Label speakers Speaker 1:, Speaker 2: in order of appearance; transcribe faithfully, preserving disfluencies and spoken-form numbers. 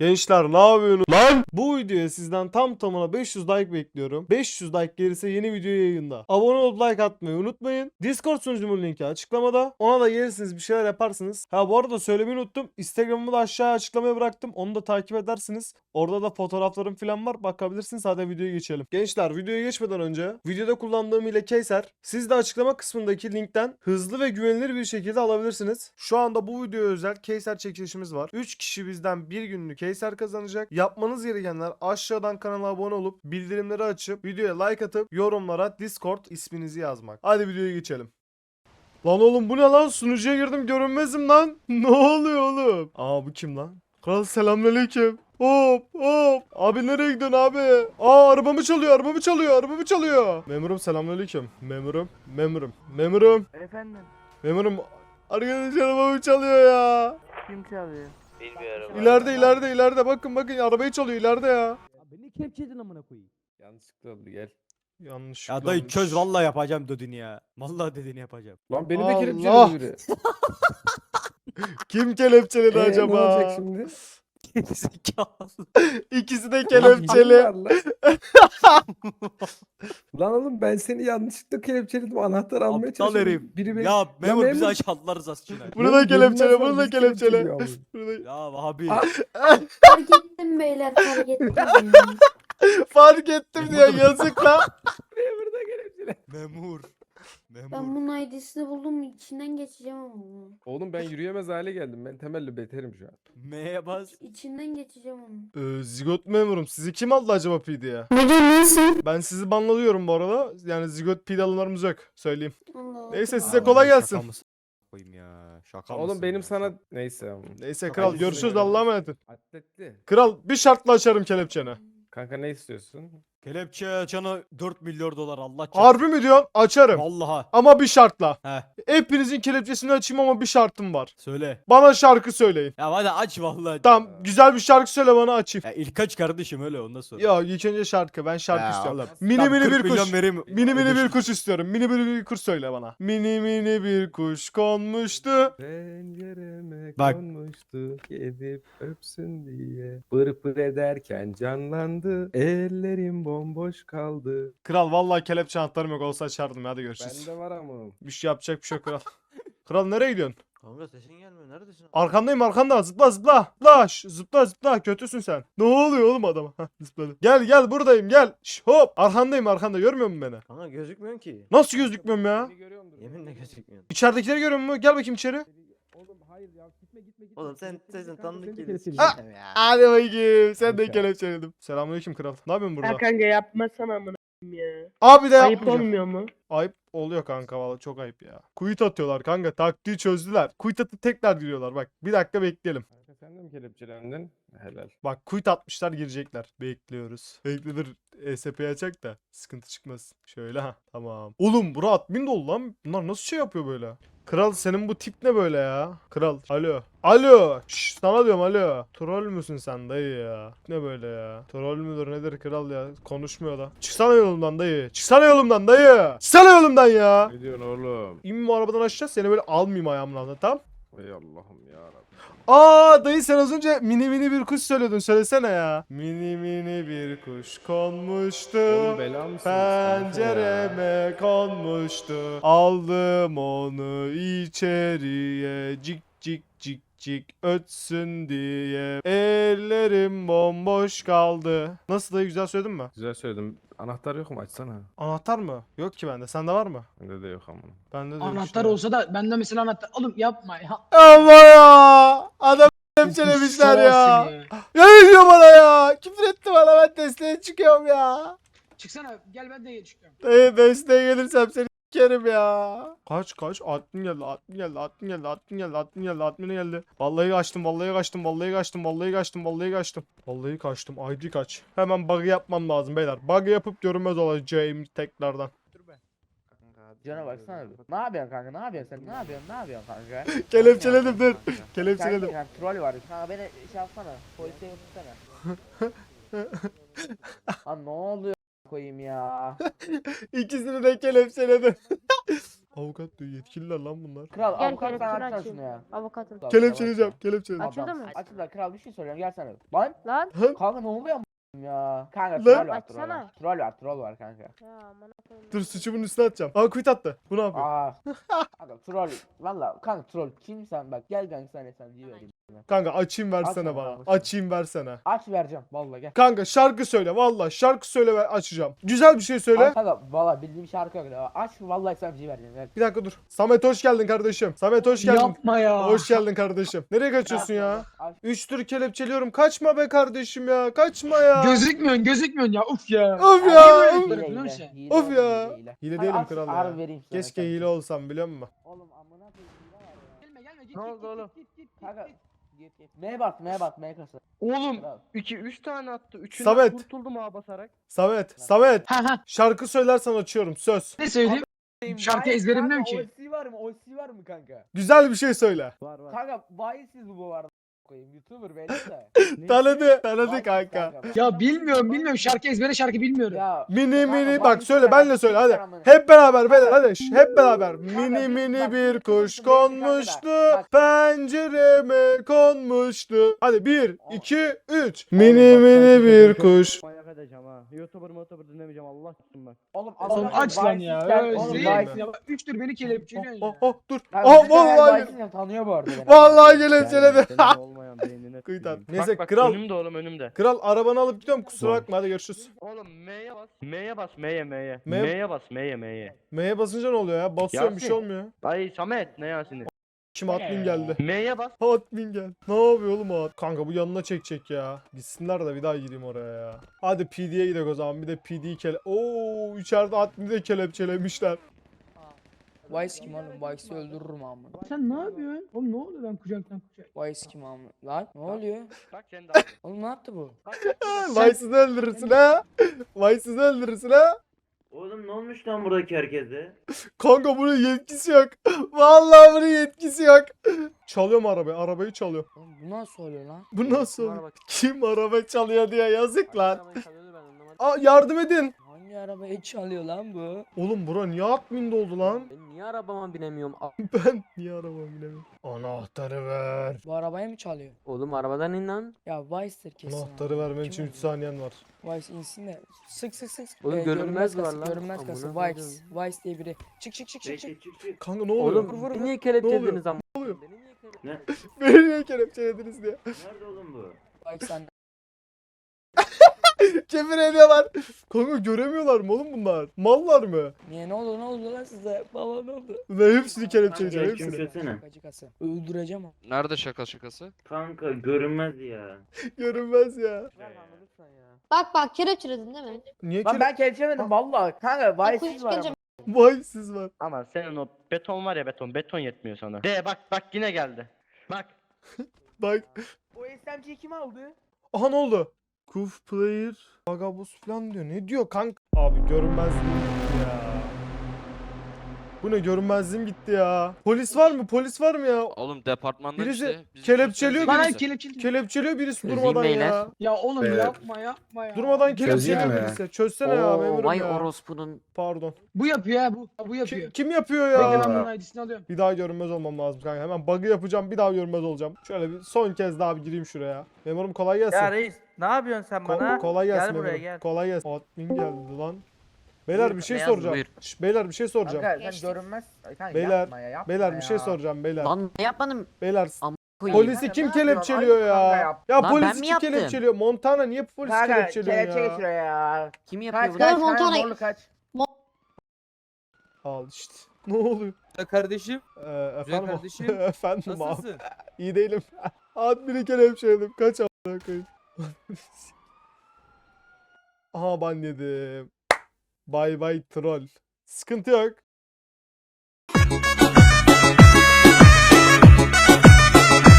Speaker 1: Gençler ne yapıyorsunuz lan? Bu videoya sizden tam tamına beş yüz like bekliyorum. beş yüz like gelirse yeni video yayında. Abone olup like atmayı unutmayın. Discord sunucumun linki açıklamada. Ona da gelirsiniz, bir şeyler yaparsınız. Ha bu arada söylemeyi unuttum. Instagram'ımı da aşağıya açıklamaya bıraktım. Onu da takip edersiniz. Orada da fotoğraflarım falan var. Bakabilirsiniz. Hadi videoya geçelim. Gençler videoya geçmeden önce videoda kullandığım ile Keyser. Siz de açıklama kısmındaki linkten hızlı ve güvenilir bir şekilde alabilirsiniz. Şu anda bu videoya özel Keyser çekilişimiz var. üç kişi bizden bir günlük Keyser kazanacak. Yapmanız gerekenler aşağıdan kanala abone olup bildirimleri açıp videoya like atıp yorumlara Discord isminizi yazmak. Hadi videoya geçelim. Lan oğlum bu ne lan? Sunucuya girdim görünmezim lan. Ne oluyor oğlum? Aa bu kim lan? Kral selamünaleyküm. Hop hop. Abi nereye gidiyorsun abi? Aa arabamı çalıyor, arabamı çalıyor, arabamı çalıyor. Memurum selamünaleyküm. Memurum, memurum, memurum,
Speaker 2: Efendim,
Speaker 1: memurum. Arkadaş arabamı çalıyor ya.
Speaker 2: kim çalıyor?
Speaker 3: Bilmiyorum.
Speaker 1: İleride ileride ileride bakın bakın arabayı çalıyor ileride ya.
Speaker 4: Ya beni kepçedin amına koyayım.
Speaker 5: Yanlışlıkla oldu gel.
Speaker 1: Yanlış.
Speaker 4: Ya dayı çöz vallahi yapacağım dediğini ya. Vallahi dediğini yapacağım.
Speaker 5: Lan beni de
Speaker 1: Allah!
Speaker 5: kelepçeledi biri.
Speaker 1: Kim kelepçeledi
Speaker 5: Ee,
Speaker 1: acaba?
Speaker 5: Ne olacak şimdi?
Speaker 4: Zekalı.
Speaker 1: İkisi de
Speaker 5: Lan
Speaker 1: kelepçeli.
Speaker 5: var lan. Lan oğlum ben seni yanlışlıkla kelepçeledim. Anahtar almaya
Speaker 4: Aptal
Speaker 5: çalışıyorum.
Speaker 4: herif.
Speaker 5: Biri beni...
Speaker 4: Ya memur bizi
Speaker 5: memur-
Speaker 4: açaldılar rızası için.
Speaker 1: Bunu da
Speaker 5: Memur
Speaker 1: kelepçele,
Speaker 5: görünmez
Speaker 1: bunu
Speaker 5: var,
Speaker 1: da
Speaker 5: bizi
Speaker 1: kelepçele.
Speaker 5: kelepçeliyor abi.
Speaker 1: Bunu da-
Speaker 4: Ya abi.
Speaker 5: Aa!
Speaker 6: Fark ettim beyler, fark ettim.
Speaker 1: Fark ettim diye yazık lan.
Speaker 5: Memur da kelepçele.
Speaker 4: Memur.
Speaker 6: Ben
Speaker 4: Memur.
Speaker 6: bunun I D'sini buldum, içinden geçeceğim ama bunu.
Speaker 5: Oğlum ben yürüyemez hale geldim. Ben temelli beterim şu an.
Speaker 4: M'ye bas.
Speaker 6: İçinden geçeceğim onu.
Speaker 1: Ee, zigot memurum. Sizi kim aldı acaba P D'ye?
Speaker 6: Ne diyorsun?
Speaker 1: Ben sizi banlıyorum bu arada. Yani zigot P D alımlarımız yok. Söyleyeyim.
Speaker 6: Allah Allah.
Speaker 1: Neyse size
Speaker 4: Abi,
Speaker 1: kolay
Speaker 4: şaka
Speaker 1: gelsin.
Speaker 4: mısın? Koyayım ya. Şaka
Speaker 5: Oğlum
Speaker 4: mısın
Speaker 5: benim
Speaker 4: ya?
Speaker 5: sana... Neyse.
Speaker 1: Neyse
Speaker 4: Çok
Speaker 1: kral
Speaker 4: acı
Speaker 1: görüşürüz
Speaker 5: söylüyorum.
Speaker 1: Allah'a emanet ol.
Speaker 5: Atletli.
Speaker 1: Kral bir şartla açarım kelepçeni.
Speaker 5: Kanka ne istiyorsun?
Speaker 4: Kelepçe canı dört milyon dolar Allah çarpsın.
Speaker 1: Harbi mi diyorsun? Açarım.
Speaker 4: Vallahi.
Speaker 1: Ama bir şartla.
Speaker 4: He
Speaker 1: Hepinizin kelepçesini açayım ama bir şartım var.
Speaker 4: söyle.
Speaker 1: Bana şarkı söyleyin.
Speaker 4: Ya hadi aç vallahi.
Speaker 1: Tamam güzel bir şarkı söyle bana açayım.
Speaker 4: Ya ilk aç kardeşim öyle ondan sonra.
Speaker 1: Ya ilk önce şarkı. Ben şarkı
Speaker 4: Ya
Speaker 1: istiyorum.
Speaker 4: oğlum,
Speaker 1: Mini
Speaker 4: tamam,
Speaker 1: mini
Speaker 4: kırk
Speaker 1: bir kuş.
Speaker 4: milyon vereyim.
Speaker 1: Mini mini bir
Speaker 4: Ödeşin.
Speaker 1: kuş istiyorum. Mini mini bir kuş söyle bana. Mini mini bir kuş konmuştu.
Speaker 5: Pencereme
Speaker 4: Bak.
Speaker 5: konmuştu gidip öpsün diye. Pır pır ederken canlandı. Ellerim bomboş kaldı.
Speaker 1: Kral vallahi kelepçe anahtarım yok olsa açardım. Hadi görüşürüz.
Speaker 5: Bende var ama.
Speaker 1: Bir şey yapacak bir şey yok kral. Kral nereye gidiyorsun?
Speaker 3: Kanka sesin gelmiyor. Neredesin?
Speaker 1: Arkandayım arkanda. Zıpla zıpla. Zıpla şş, zıpla zıpla. Kötüsün sen. Ne oluyor oğlum adama? Hah, zıpladı. Gel gel buradayım gel. Şş, hop. Arkandayım arkanda. Görmüyor musun beni?
Speaker 3: Kanka gözükmüyorsun ki.
Speaker 1: Nasıl gözükmüyorum ya?
Speaker 5: Seni görüyorumdur.
Speaker 3: Yeminle gözükmüyorsun.
Speaker 1: İçeridekileri görüyor musun? Gel bakayım içeri.
Speaker 5: Oğlum hayır ya gitme gitme gitme.
Speaker 3: Oğlum sen
Speaker 5: Gitme,
Speaker 3: sesin
Speaker 5: kanka,
Speaker 3: tanıdık
Speaker 5: seni de
Speaker 3: geliyor.
Speaker 5: kelepçeleyeceğim.
Speaker 3: Ya.
Speaker 1: Hadi bakayım. Sen de
Speaker 5: Kanka.
Speaker 1: kelepçeledim. Selamünaleyküm kral. Ne yapıyorsun burada?
Speaker 7: Ya kanka yapmasana amına koyayım ya.
Speaker 1: Abi de
Speaker 7: Ayıp
Speaker 1: yapmayacağım.
Speaker 7: olmuyor mu?
Speaker 1: Ayıp oluyor kanka valla çok ayıp ya. Kuyut atıyorlar kanka taktiği çözdüler. Kuyut atıp tekrar giriyorlar bak. Bir dakika bekleyelim.
Speaker 5: Kanka sen de mi kelepçelendin? Helal.
Speaker 1: Bak kuyut atmışlar girecekler. Bekliyoruz. Beklenir E S P'yi açacak da sıkıntı çıkmaz. Şöyle ha tamam. Oğlum bura admin dolu lan. Bunlar nasıl şey yapıyor böyle? Kral senin bu tip ne böyle ya? Kral alo. Alo. Şşş sana diyorum alo. Troll müsün sen dayı ya? Ne böyle ya? Troll müdür nedir kral ya? Konuşmuyor da. Çıksana yolumdan dayı. Çıksana yolumdan dayı. Çıksana yolumdan ya.
Speaker 5: Ne diyorsun oğlum?
Speaker 1: İn bu arabadan aşağı seni böyle almayayım ayağımın altına tamam?
Speaker 5: Ey Allah'ım yarabbim.
Speaker 1: Aa dayı sen az önce mini mini bir kuş söylüyordun söylesene ya. Mini mini bir kuş konmuştu.
Speaker 5: Oğlum bela mısınız kanka ya?
Speaker 1: Pencereme konmuştu. Aldım onu içeriye. Cik cik cik cik ötsün diye. Ellerim bomboş kaldı. Nasıl dayı güzel söyledin mi?
Speaker 5: Güzel söyledim. Anahtar yok mu? Açsana.
Speaker 1: Anahtar mı? Yok ki bende. Sende var mı?
Speaker 5: Bende de yok ama.
Speaker 1: Bende de yok
Speaker 8: Anahtar
Speaker 1: işte.
Speaker 8: olsa da bende mesela anahtar. Oğlum yapma ya.
Speaker 1: Ama ya. Adam kelepçelemişler ya. Ya ne diyor bana ya? Küfür etti bana ben desteğe çıkıyorum ya.
Speaker 8: Çıksana gel ben de çıkıyorum.
Speaker 1: Dayı desteğe gelirsem seni s**erim ya. Kaç kaç? Admin geldi, admin geldi, admin geldi, admin geldi, admin geldi, admin geldi. Vallahi kaçtım, vallahi kaçtım, vallahi kaçtım, vallahi kaçtım, vallahi kaçtım. Vallahi kaçtım. I D kaç. Hemen bug yapmam lazım beyler. Bug yapıp görünmez olacağım tekrardan.
Speaker 2: Cana baksana bir. Ne yapıyorsun kanka? Ne yapıyorsun sen? Ne yapıyorsun? Ne yapıyorsun kanka?
Speaker 1: Kelepçeledim dur.
Speaker 2: Kanka,
Speaker 1: Kelepçeledim.
Speaker 2: kanka, troll var. Kanka beni şey yapsana. Polise götürsene. Lan ne oluyor koyayım ya?
Speaker 1: İkisini de kelepçeledim. Avukat diyor, yetkililer lan bunlar.
Speaker 2: Kral
Speaker 6: Gel
Speaker 2: avukat sen
Speaker 6: kelepçeni
Speaker 2: açsana
Speaker 6: açayım.
Speaker 2: şunu ya.
Speaker 6: Avukatım.
Speaker 2: Kral,
Speaker 1: Kelepçeleyeceğim,
Speaker 2: yavaş
Speaker 1: kelepçeleyeceğim.
Speaker 2: ya.
Speaker 6: Açıldı
Speaker 2: Adam,
Speaker 6: mı?
Speaker 2: Açıldı kral bir şey soruyorum gelsene. Lan
Speaker 6: Lan.
Speaker 2: kanka ne oluyor am- ya? Kanka
Speaker 1: Lan.
Speaker 2: troll var troll
Speaker 6: Açsana.
Speaker 2: var. Troll var troll var kanka.
Speaker 6: Ya aman koyayım.
Speaker 1: Dur suçumun üstüne atacağım. Aa quit attı. Bu ne yapıyor?
Speaker 2: Aa. Kanka troll. Valla kanka troll kim sen bak gel kanka sen sen diye vereyim.
Speaker 1: Kanka açayım versene
Speaker 2: Atma
Speaker 1: bana.
Speaker 2: bana.
Speaker 1: Açayım versene.
Speaker 2: Aç vereceğim valla gel.
Speaker 1: Kanka şarkı söyle valla. Şarkı söyle ve açacağım. Güzel bir şey söyle.
Speaker 2: Kanka valla bildiğim şarkı yok ya. Aç vallahi sana bir şey vereceğim. Gel.
Speaker 1: Bir dakika dur. Samet hoş geldin kardeşim. Samet hoş geldin.
Speaker 8: Yapma ya.
Speaker 1: Hoş geldin kardeşim. Nereye kaçıyorsun ya?
Speaker 2: Aç.
Speaker 1: Üç tür kelepçeliyorum. Kaçma be kardeşim ya. Kaçma ya.
Speaker 8: Gözükmüyorsun gözükmüyorsun ya uf ya.
Speaker 1: Of
Speaker 8: Niye
Speaker 1: ya.
Speaker 8: böyle
Speaker 1: of.
Speaker 8: yapıyorsun?
Speaker 2: Hile,
Speaker 8: biliyor
Speaker 2: hile,
Speaker 8: musun?
Speaker 2: hile
Speaker 1: Of
Speaker 2: oğlum,
Speaker 1: ya.
Speaker 2: hile, hile.
Speaker 1: Hile
Speaker 2: Hadi
Speaker 1: değilim
Speaker 2: aç,
Speaker 1: kral
Speaker 2: harbi
Speaker 1: ya.
Speaker 2: vereyim sana
Speaker 1: Keşke
Speaker 2: sen.
Speaker 1: hile olsam biliyor musun?
Speaker 2: Oğlum amına koyayım hile var ya.
Speaker 8: Gelme gelme git
Speaker 7: Ne
Speaker 8: git
Speaker 7: oldu
Speaker 8: git,
Speaker 7: oğlum?
Speaker 8: git git git
Speaker 2: Kanka
Speaker 8: git.
Speaker 2: git git. M'ye bas M'ye bas M kasa.
Speaker 7: Oğlum
Speaker 2: Kral.
Speaker 7: iki üç tane attı. Üçünden
Speaker 1: Samet.
Speaker 7: kurtuldum ağa basarak.
Speaker 1: Samet. Samet.
Speaker 8: Ha ha
Speaker 1: Şarkı söylersen açıyorum. Söz.
Speaker 8: ne söyleyeyim? Şarkı
Speaker 2: Vay-
Speaker 8: ezberimliyorum
Speaker 2: kanka,
Speaker 8: ki.
Speaker 2: O C var mı? O C var mı kanka?
Speaker 1: Güzel bir şey söyle.
Speaker 4: Var var.
Speaker 2: Kanka Vaysiz bu arada. Koyayım YouTuber belli de.
Speaker 1: Tanıdı. Tanıdı
Speaker 2: Vaysiz
Speaker 1: kanka.
Speaker 8: Ya bilmiyorum bilmiyorum şarkı ezbere şarkı bilmiyorum.
Speaker 2: Ya
Speaker 1: Mini
Speaker 2: kanka,
Speaker 1: mini bak
Speaker 2: Vaysiz
Speaker 1: söyle
Speaker 2: ben
Speaker 1: benle söyle hadi.
Speaker 2: amına.
Speaker 1: Hep beraber beyler hadi şş, hep beraber.
Speaker 2: Kanka,
Speaker 1: Mini
Speaker 2: bir-
Speaker 1: mini
Speaker 2: bak,
Speaker 1: bir
Speaker 2: bir-
Speaker 1: kuş
Speaker 2: bir- bir- kanka da,
Speaker 1: konmuştu.
Speaker 2: bak.
Speaker 1: Pencereme konmuştu. Hadi bir,
Speaker 2: Aa.
Speaker 1: iki, üç.
Speaker 2: Oğlum
Speaker 1: Mini
Speaker 4: bak,
Speaker 1: mini
Speaker 4: sanki
Speaker 1: bir
Speaker 4: çocuğum
Speaker 1: kuş.
Speaker 4: Manyak edeceğim ha. Youtuber youtuber dinlemeyeceğim Allah tutsun bak.
Speaker 2: Oğlum,
Speaker 8: Oğlum
Speaker 2: adam
Speaker 8: aç lan
Speaker 2: Vaysiz
Speaker 8: ya.
Speaker 2: sen-
Speaker 8: Öyle
Speaker 2: Oğlum
Speaker 8: değil
Speaker 1: Vaysiz-
Speaker 8: mi? Ya bak, üçtür beni
Speaker 1: Oh,
Speaker 8: kelepçeliyorsun
Speaker 1: oh,
Speaker 8: ya.
Speaker 1: oh, dur.
Speaker 2: Ya
Speaker 1: Oh
Speaker 2: bizim her
Speaker 1: vallahi.
Speaker 2: Vaysiz tanıyor bu arada beni.
Speaker 1: Vallahi kelepçeledi.
Speaker 4: Senin olmayan beynine
Speaker 1: Kıyt at.
Speaker 4: tüküreyim.
Speaker 1: Neyse
Speaker 7: Bak bak
Speaker 1: kral.
Speaker 7: önümde oğlum önümde.
Speaker 1: Kral arabanı alıp gidiyorum kusura
Speaker 4: Var.
Speaker 1: bakma hadi görüşürüz.
Speaker 7: Oğlum M'ye bas. M'ye bas M'ye M'ye.
Speaker 1: M-
Speaker 7: M'ye bas M'ye M'ye.
Speaker 1: M'ye basınca ne oluyor ya? Basıyorum bir şey
Speaker 7: Yasin.
Speaker 1: olmuyor.
Speaker 7: Ay Samet ne Yasin'i?
Speaker 1: Kim admin geldi.
Speaker 7: M'ye bas.
Speaker 1: Admin gel. Ne yapıyor oğlum o ad- Kanka bu yanına çekecek ya. Gitsinler de bir daha gireyim oraya ya. Hadi P D'ye gidelim o zaman. Bir de P D'yi kele... Oo içeride admini de kelepçelemişler.
Speaker 9: Vice kim oğlum? Vice'i öldürürüm amına.
Speaker 8: Sen ne yapıyorsun? Oğlum ne oluyor ben kucaktan kucak.
Speaker 9: Vice kim amına? Lan ne oluyor?
Speaker 7: Bak sen de.
Speaker 9: Oğlum ne yaptı bu?
Speaker 1: Vice'ını öldürürsün ha. Vice'ını öldürürsün ha.
Speaker 3: Oğlum ne olmuş lan buradaki herkese?
Speaker 1: Kanka bunun yetkisi yok. Vallahi bunun yetkisi yok. Çalıyorum arabayı. Arabayı çalıyor.
Speaker 9: Oğlum bu nasıl oluyor lan?
Speaker 1: Bu nasıl oluyor? Kim araba çalıyor diye yazık lan. Aa yardım edin.
Speaker 9: Hangi arabayı çalıyor lan bu?
Speaker 1: Oğlum bura niye admin oldu lan?
Speaker 10: Ben niye arabama binemiyorum? A-
Speaker 1: Ben niye arabamı bilemiyorum. Anahtarı ver.
Speaker 9: Bu arabayı mı çalıyor?
Speaker 10: Oğlum arabadan in lan.
Speaker 9: Ya Vice'dir kesin.
Speaker 1: Anahtarı
Speaker 9: abi.
Speaker 1: vermen
Speaker 9: Kim
Speaker 1: için
Speaker 9: o?
Speaker 1: üç saniyen var.
Speaker 9: Vice insin de. Sık sık sık.
Speaker 10: Oğlum
Speaker 9: Ee,
Speaker 10: görünmez var
Speaker 9: kası,
Speaker 10: lan.
Speaker 9: Görünmez
Speaker 10: Amına
Speaker 9: kası.
Speaker 10: koydum.
Speaker 9: Vice. Vice diye biri. Çık çık çık çık çık.
Speaker 3: Çık çık çık.
Speaker 1: Kanka ne oluyor?
Speaker 10: Oğlum
Speaker 9: Vur, vur,
Speaker 10: beni
Speaker 9: vur.
Speaker 10: niye
Speaker 1: Ne
Speaker 10: kelepçelediniz ama?
Speaker 1: Ne oluyor?
Speaker 10: Beni niye kelepçelediniz?
Speaker 3: Ne?
Speaker 1: Beni niye kelepçelediniz diye.
Speaker 3: Nerede oğlum bu?
Speaker 9: Vice sen.
Speaker 1: Kefir ediyorlar. Kanka göremiyorlar mı oğlum bunlar? Mallar mı?
Speaker 9: Niye ne oldu ne oldu lan size? Baba ne oldu?
Speaker 1: Ve hepsini kelepçeleyeceğim
Speaker 3: Kanka,
Speaker 1: hepsini.
Speaker 3: kim söylesene.
Speaker 9: Şakacı kası. Öldüreceğim onu.
Speaker 11: Nerede şaka şakası?
Speaker 3: Kanka görünmez ya.
Speaker 1: Görünmez ya.
Speaker 6: Bak bak kelepçeledin değil mi?
Speaker 1: Niye
Speaker 2: Lan
Speaker 1: kele...
Speaker 2: ben kelepçemedim valla. Kanka Vaysiz var ama.
Speaker 1: Vay siz var.
Speaker 7: Ama senin o beton var ya beton. Beton yetmiyor sana. De bak bak yine geldi. Bak.
Speaker 1: Bak.
Speaker 2: O S M G'yi kim aldı?
Speaker 1: Aha ne oldu? Kuf player. Vagabus falan diyor. Ne diyor kanka? Abi görünmezliğim gitti ya. Bu ne görünmezliğim gitti ya. Polis var mı? Polis var mı ya?
Speaker 11: Oğlum departmanda
Speaker 1: Birisi
Speaker 11: işte. bizi
Speaker 1: kelepçeliyor,
Speaker 11: çözsenize
Speaker 8: Bana
Speaker 11: birisi.
Speaker 8: kelepçeli.
Speaker 1: Kelepçeliyor birisi
Speaker 10: Çözeyim
Speaker 1: durmadan
Speaker 10: beyler.
Speaker 1: ya.
Speaker 8: Ya oğlum
Speaker 5: Evet.
Speaker 8: yapma yapma ya.
Speaker 1: Durmadan
Speaker 5: Çözeyim
Speaker 1: kelepçeliyor
Speaker 5: mi?
Speaker 1: birisi. Çözsene ya
Speaker 10: Oo,
Speaker 1: memurum
Speaker 10: vay
Speaker 1: ya.
Speaker 10: orospunun.
Speaker 1: Pardon.
Speaker 8: Bu yapıyor ha bu. Bu yapıyor.
Speaker 1: Kim, kim yapıyor
Speaker 8: Bekle
Speaker 1: ya?
Speaker 8: ben bunun I D'sini alıyorum.
Speaker 1: Bir daha görünmez olmam lazım kanka. Hemen bug'ı yapacağım. Bir daha görünmez olacağım. Şöyle bir son kez daha bir gireyim şuraya. Memurum kolay gelsin.
Speaker 2: Ya reis ne yapıyorsun sen
Speaker 1: Ko-
Speaker 2: bana?
Speaker 1: kolay gelsin
Speaker 2: Gel buraya,
Speaker 1: memurum.
Speaker 2: gel.
Speaker 1: Kolay gelsin. Admin geldi lan. Beyler
Speaker 2: Buyur,
Speaker 1: bir şey
Speaker 10: beyaz
Speaker 1: soracağım.
Speaker 10: buyur.
Speaker 1: Şş, beyler bir şey soracağım.
Speaker 2: Kanka
Speaker 6: Geçtik.
Speaker 2: sen görünmez. Kanka
Speaker 1: Beyler,
Speaker 2: yapma ya, yapma
Speaker 1: Beyler bir şey
Speaker 2: ya.
Speaker 1: soracağım beyler.
Speaker 10: Lan ne yapmadım?
Speaker 1: Beyler
Speaker 10: Am- koyayım.
Speaker 1: polisi
Speaker 2: Kanka,
Speaker 1: kim
Speaker 2: ne yapıyorsun?
Speaker 1: kelepçeliyor
Speaker 2: Ayıp
Speaker 1: ya?
Speaker 2: kanka yap.
Speaker 1: Ya
Speaker 10: Lan
Speaker 1: polisi
Speaker 10: ben mi
Speaker 1: kim
Speaker 10: yaptım?
Speaker 1: kelepçeliyor? Montana niye polisi
Speaker 2: Kanka
Speaker 1: kelepçeliyor
Speaker 2: kelepçe
Speaker 1: ya?
Speaker 2: geçiyor ya.
Speaker 10: Kim yapıyor
Speaker 2: Kaç
Speaker 10: bunu?
Speaker 2: kaç
Speaker 6: Dur,
Speaker 2: kanka
Speaker 6: Montana-
Speaker 2: zorlu kaç.
Speaker 1: Al işte. Ne oluyor?
Speaker 9: Kardeşim.
Speaker 1: Ee, efendim,
Speaker 9: kardeşim.
Speaker 1: efendim abi. İyi değilim. Admini kelepçeledim. Kaç a**ına koyayım. Aha ban yedim. Bay bay troll. Sıkıntı yok.